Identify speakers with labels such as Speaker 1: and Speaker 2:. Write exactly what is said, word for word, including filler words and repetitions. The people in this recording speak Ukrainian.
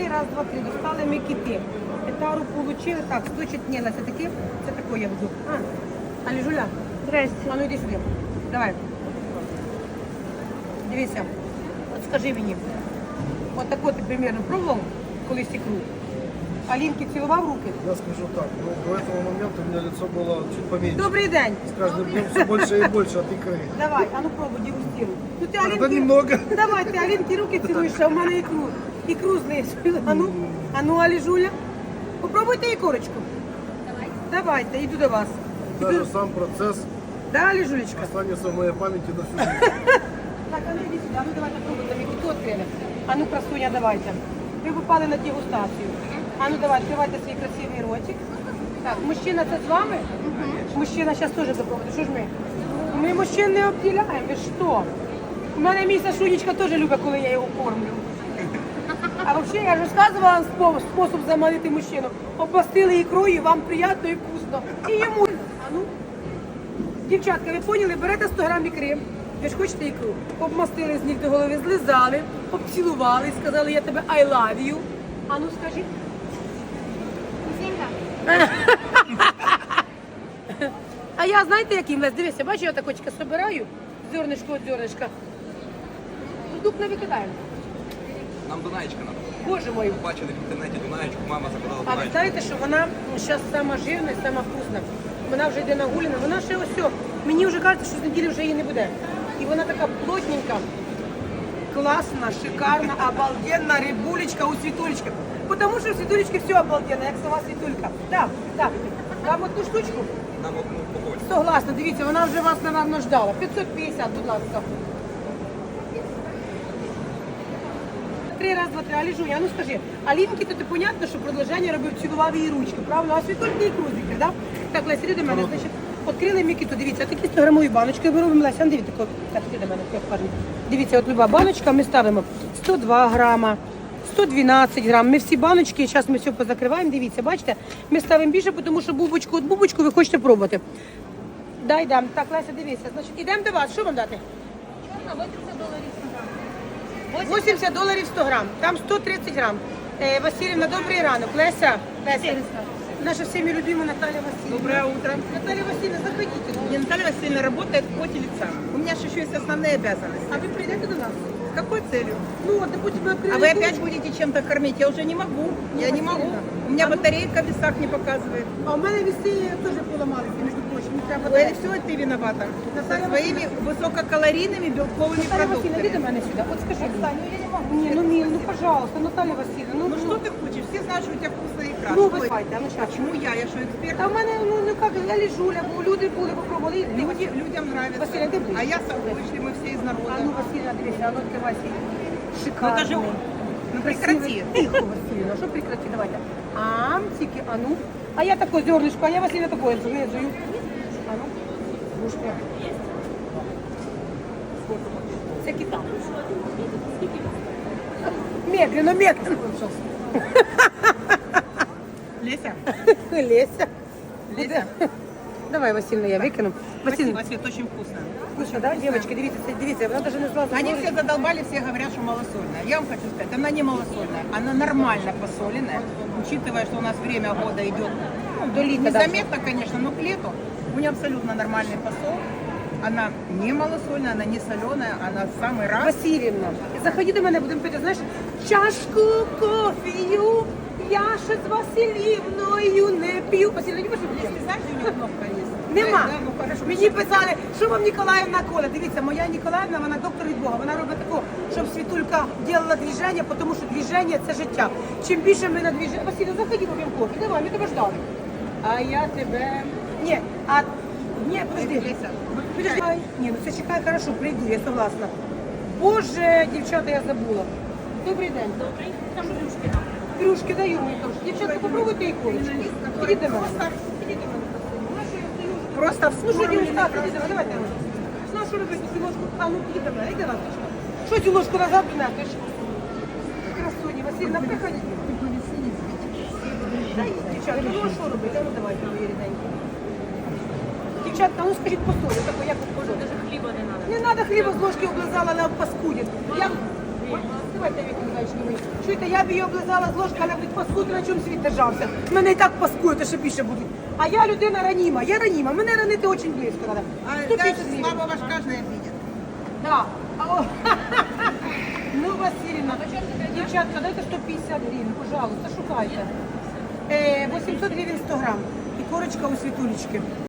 Speaker 1: раз, два, три. Достали ми кити. Тару получили. Так, сточить ні, це таке. Це таке я буду. А, Алі Жуля.
Speaker 2: Здрасте.
Speaker 1: А ну йди сюди. Давай. Дивися. От скажи мені. От тако ти примерно пробував колись ікру? Алінки цілував руки?
Speaker 3: Я скажу так, ну, до этого момента у меня лицо было чуть поменьше.
Speaker 1: Добрий день.
Speaker 3: С каждым днем все больше и больше от икры.
Speaker 1: Давай, а ну пробуй, дегустируй. Ну ти
Speaker 3: Это немного.
Speaker 1: Давай, ти Алінки руки цілуєш, а в мене ікру. Ікру знищили. А ну, а ну, Алі Жуля. Попробуйте ікорочку. Давай. Давайте, йду до вас.
Speaker 3: Даже сам процесс
Speaker 1: Да, Алі Жулечка?
Speaker 3: останется в моей памяти на всю жизнь.
Speaker 1: Так, а ну йди сюди, а ну давайте пробуйте, ми кіту відкрили. А ну, красуня, давайте. Ви попали на дегустацію. А ну давай, відкривайте свій красивий ротик. Так, мужчина, це з вами? Мужчина зараз теж попробує. Що ж ми? Ми мужчин не обділяємо, ви що? У мене мій Сашунечка теж любить, коли я його кормлю. А взагалі, я ж розказувала вам спосіб заманити мужчину. Обмастили ікрою, і вам приємно і вкусно. І йому. А ну, дівчатка, ви поняли, берете сто грам ікри, ви ж хочете ікру, обмастили з ніг до голови, злизали, обцілували, сказали, я тебе I love you. А ну скажіть. А я, знаєте, який млес? Дивися, бачу, я так очка собираю, зернишко від зернишка. Продукт не викидаємо.
Speaker 4: Нам Дунаєчка надо.
Speaker 1: Боже мой.
Speaker 4: Бачили в інтернеті Дунаєчку, мама заказала
Speaker 1: А ви
Speaker 4: Дунаєчку.
Speaker 1: знаєте, що вона зараз сама жирна і сама вкусна. Вона вже йде на гуліна, вона ще ось. о, Мені вже кажеться, що з неділі вже її не буде. І вона така плотненька, класна, шикарна, обалденна рибулечка у Світулечки. Тому що у Світулечки все обалденно, як сама Світулька. Так, так. Вам одну штучку?
Speaker 4: Нам одну упаковочку.
Speaker 1: Согласна, дивіться, вона вже вас, напевно, ждала. п'ятсот п'ятдесят, будь ласка. Три раз, два, три, Алі Жуня, а ну скажи, Алінки, то ти понятно, що продовження робив, цілував її ручки, правильно? А Світульки і крузики, так? Так, Леся, іди до мене, значить, відкрили мікіту, дивіться, такі сто грамові баночки ми робимо, Леся, дивіться, тако, так, іди до мене, як кажуть. Дивіться, от люба баночка, ми ставимо сто два грама, сто дванадцять грам, ми всі баночки, зараз ми все позакриваємо, дивіться, бачите, ми ставимо більше, тому що бубочку, от бубочку ви хочете пробувати. Дай, дам, так, Леся, дивіться, значить, ідемо до вас, що вам дати? вісімдесят доларів сто грам, там сто тридцать грам. Э, Васильевна, добрый ранок. Леся, Леся, наша всеми любимая Наталья Васильевна.
Speaker 5: Доброе утро.
Speaker 1: Наталья Васильевна, заходите.
Speaker 5: Мне Наталья Васильевна работает в поте лица. У меня же еще есть основные обязанности.
Speaker 1: А вы придете до нас?
Speaker 5: С какой целью?
Speaker 1: Ну, вот, допустим, мы открыли
Speaker 5: А вы опять
Speaker 1: точку.
Speaker 5: будете чем-то кормить? Я уже не могу. Я не могу. У меня батарейка в весах не показывает.
Speaker 1: А у меня весы тоже поломались, между прочим. Не треба
Speaker 5: Ой,
Speaker 1: дать.
Speaker 5: все, ты виновата.
Speaker 1: Наталья
Speaker 5: Со своими высококалорийными белковыми
Speaker 1: Наталья Васильевна, иди до
Speaker 5: продуктами.
Speaker 1: меня сюда. Вот скажи. Отстань, я не могу. Не, ну, Мил, ну, пожалуйста, Наталья Васильевна. Ну,
Speaker 5: Ну что ты хочешь? Все знают, что у тебя вкусная икра.
Speaker 1: Ну,
Speaker 5: Что
Speaker 1: вы
Speaker 5: это?
Speaker 1: давайте, а ну сейчас.
Speaker 5: Почему я? Я что, эксперт?
Speaker 1: Та в мене, ну, ну, как, я лежу, бо люди були, попробували. І
Speaker 5: Люди, людям нравится.
Speaker 1: Василий, ты будешь?
Speaker 5: А я вышли, мы все из народа.
Speaker 1: А ну, Васильевна, дивися, а ну, открывай свій.
Speaker 5: Ну,
Speaker 1: Шикарно.
Speaker 5: это же... Ну прекрати.
Speaker 1: Тихо, Васильевна, що прекрати, давайте. Ам, тільки, а ну. А я такой зернышко, а я Васильевна такое знизую. А ну, ушко. Це кита. Медленно, медленно.
Speaker 5: Леся,
Speaker 1: Леся.
Speaker 5: Леся.
Speaker 1: Давай, Васильевна, я викину.
Speaker 5: Спасибо, Свет, очень вкусно.
Speaker 1: Вкусно, да, девочки, дивіться, це- дивіться, вона даже не зла.
Speaker 5: Они все задолбали, все говорят, что малосольная. Я вам хочу сказать, она не малосольная, она нормально посоленная, учитывая, что у нас время года идет ну,
Speaker 1: До літа, да.
Speaker 5: незаметно, конечно, но к лету у нее абсолютно нормальный посол. Она не малосольная, она не соленая, она в самый раз.
Speaker 1: Васильівна, заходи до мене, будемо пити, знаєш, чашку кофею, я ще з Василівною не п'ю. Василівна, не пишу,
Speaker 5: Если знаешь, где у нее кнопка есть?
Speaker 1: Нема.
Speaker 5: Да, ну хорошо.
Speaker 1: Мені писали, що вам Ніколаївна кола. Дивіться, моя Ніколаївна, вона доктор від Бога. Вона робить таке, щоб Світулька робила движення, тому що движення – це життя. Чим більше ми на движення... Василю, заходи, поп'ємо кофе. Давай, ми тебе ждали. А я тебе... Ні, а... Ні, подожди.
Speaker 5: Леся,
Speaker 1: Подожди. Ай, Ні, ну це чекай, хорошо, прийду, я согласна. Боже, дівчата, я забула. Добрий день. Добрий. Там плюшки. Плюшки даю мені там. Дівчатка, попробуйте ікорочку. Ідіть до мене. Ідіть до мене.
Speaker 5: Просто в
Speaker 1: Ну що,
Speaker 5: скорую
Speaker 1: дівчата, ідіть до мене, давайте. Знаєш, що робити? Цю ложку, а ну, ідіть до мене, ідіть до нас. Що цю ложку назад принесеш? Красуні, Васильівна, приходіть. Дівчатка, ну а що робити? А ну давайте, мої рідненькі. Дівчатка, ну скажіть по солі, тако, як от пожо. Даже хліба не треба. Не треба хліба з ложки облизала, але паскудить. Я, Давайте вікна зайчики мої. Чуєте, я б її облизала з ложки, але будь паскуд, на чому світ держався. Мене і так паскують, а ще більше будуть. А я людина раніма, я раніма, мене ранити дуже близько треба.
Speaker 5: А
Speaker 1: сто п'ятдесят
Speaker 5: даже
Speaker 1: гривень.
Speaker 5: слабо ваш каждый видит.
Speaker 1: Да. А, о, ну, Васильівна, дівчатка, дайте сто п'ятдесят гривень, пожалуйста, шукайте. Е, вісімсот гривень сто грам. І корочка у світулечки.